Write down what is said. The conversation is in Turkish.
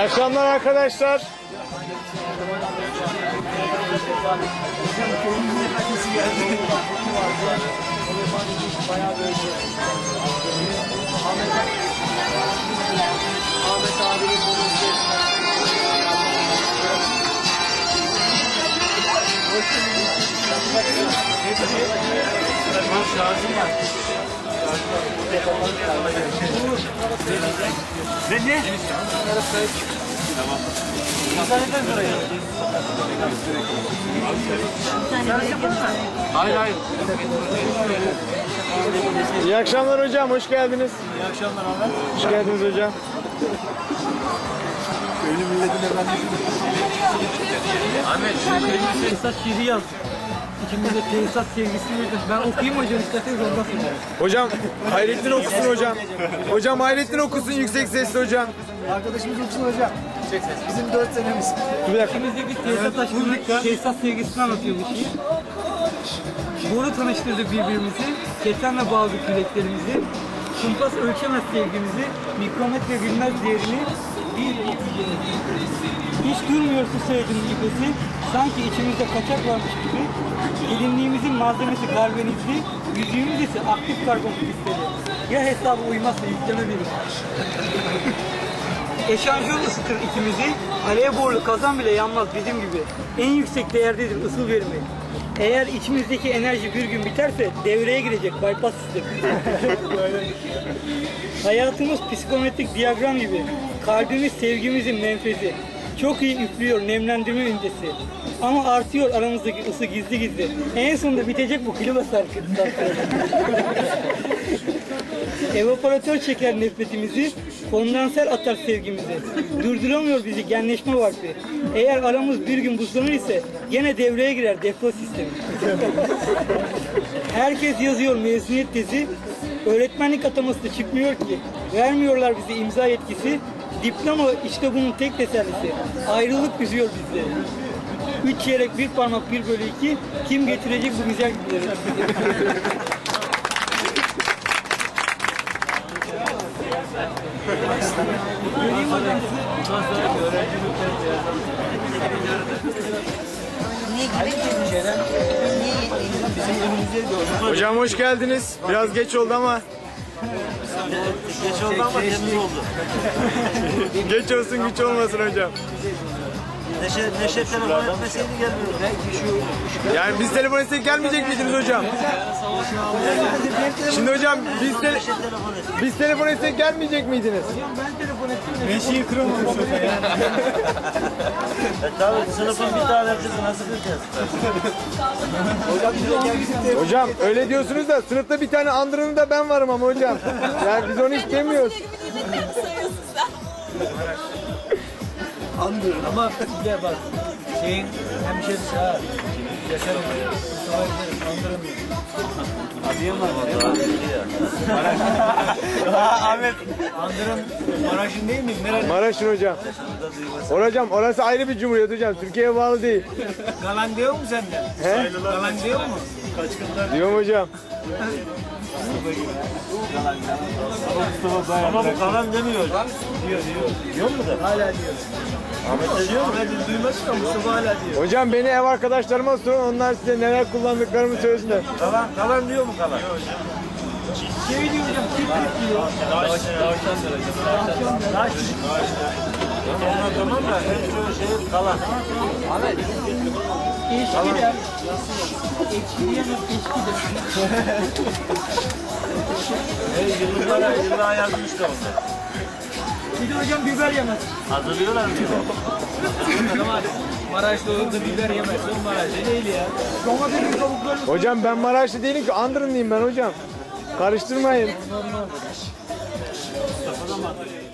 akşamlar arkadaşlar. Ahmet abinin konuşuyor. Şarjım var. Ne? Tamam. Hayır. İyi akşamlar hocam, hoş geldiniz. İyi akşamlar Ahmet. Hoş geldiniz hocam. Köylü milletin efendisi. Ahmet, şu tesisat şiiri yaz. İçimizde tesisat sevgisi vardır. Ben okuyayım hocam, isterseniz ondan sonra. Hocam Hayrettin okusun hocam. Hocam Hayrettin okusun yüksek sesli hocam. Arkadaşımız okusun hocam. Bizim 4 senemiz. Bir dakika. İçimizdeki tesisat aşkını, tesisat sevgisini anlatıyor bu şiir. Boru tanıştırdı birbirimizi, ketenle bağladık yüreklerimizi. Kumpas ölçemez sevgimizi, mikrometre bilmez değerini. Hiç durmuyor su sevginin nefesi, sanki içimizde kaçak varmış gibi. Gelinliğimizin malzemesi karbonitli, yüzüğümüz ise aktif karbon kristali. Ya hesabı uymazsa yükleme verir. Eşanjör ısıtır ikimizi, alev borlu kazan bile yanmaz bizim gibi. En yüksek değerdedir ısıl verimi. Eğer içimizdeki enerji bir gün biterse devreye girecek bypass sistemi. Hayatımız psikometrik diyagram gibi. Kalbimiz sevgimizin menfezi. Çok iyi üflüyor nemlendirme öncesi. Ama artıyor aramızdaki ısı gizli gizli. En sonunda bitecek bu klima sarkıntı. Evaporatör çeker nefretimizi, kondanser atar sevgimizi. Durduramıyor bizi genleşme varfi. Eğer aramız bir gün buzlanır ise gene devreye girer defro sistemi. Herkes yazıyor mezuniyet tezi. Öğretmenlik ataması da çıkmıyor ki. Vermiyorlar bize imza yetkisi. Diploma işte bunun tek tesellisi. Ayrılık üzüyor bizleri. 3 çeyrek 1 parmak 1/2. Kim getirecek bu güzel günleri? Göreyim hocam Hocam hoş geldiniz. Biraz geç oldu ama. Geç oldu ama temiz oldu. Geç olsun güç olmasın hocam. Neşe telefon etmeseydi gelmiyordu. Belki şu... Yani biz telefon etsek gelmeyecek miydiniz hocam? Şimdi hocam biz telefon etsek gelmeyecek miydiniz? Beşiği kıramamış ya. Tabii sınıfın bir tane kızı nasıl bileceğiz? Hocam öyle diyorsunuz da sınıfta bir tane andırını da ben varım ama hocam. Yani biz onu istemiyoruz. Andırın ama bir de bak şeyin hemşerisi ha. Yaşar oluyor. Mustafa Yaşar andıramıyor. Adıyım var mı? Ahmet. Andırın Maraş'ın değil mi? Nerede? Maraş'ın hocam. Hocam orası ayrı bir cumhuriyet hocam. Türkiye'ye bağlı değil. Galan diyor mu senden? He? Galan diyor mu? Diyorum hocam. Ama bu kalan demiyor. Diyor. Diyor mu da? Hala diyor. Ahmet de diyor mu? Ahmet'in duyması da Mustafa hala diyor. Hocam beni ev arkadaşlarıma sorun. Onlar size neler kullandıklarımı söylesinler. Kalan diyor mu kalan? Şey diyor hocam, kiprik diyor. Daş. Onlar tamam da hep şey kalan. Eşki der. Ekşi diyemez, eşki der. Yıllara yazmış da onlar. Bir de hocam biber yemez. Hazırlıyorlar mı? Ama Maraş'ta olup da biber yemezsin Maraş'ta değil ya. Domatesin kabuklarını... Hocam ben Maraşlı değilim ki Andırınlıyım ben hocam. Karıştırmayın. Mustafa'da mı?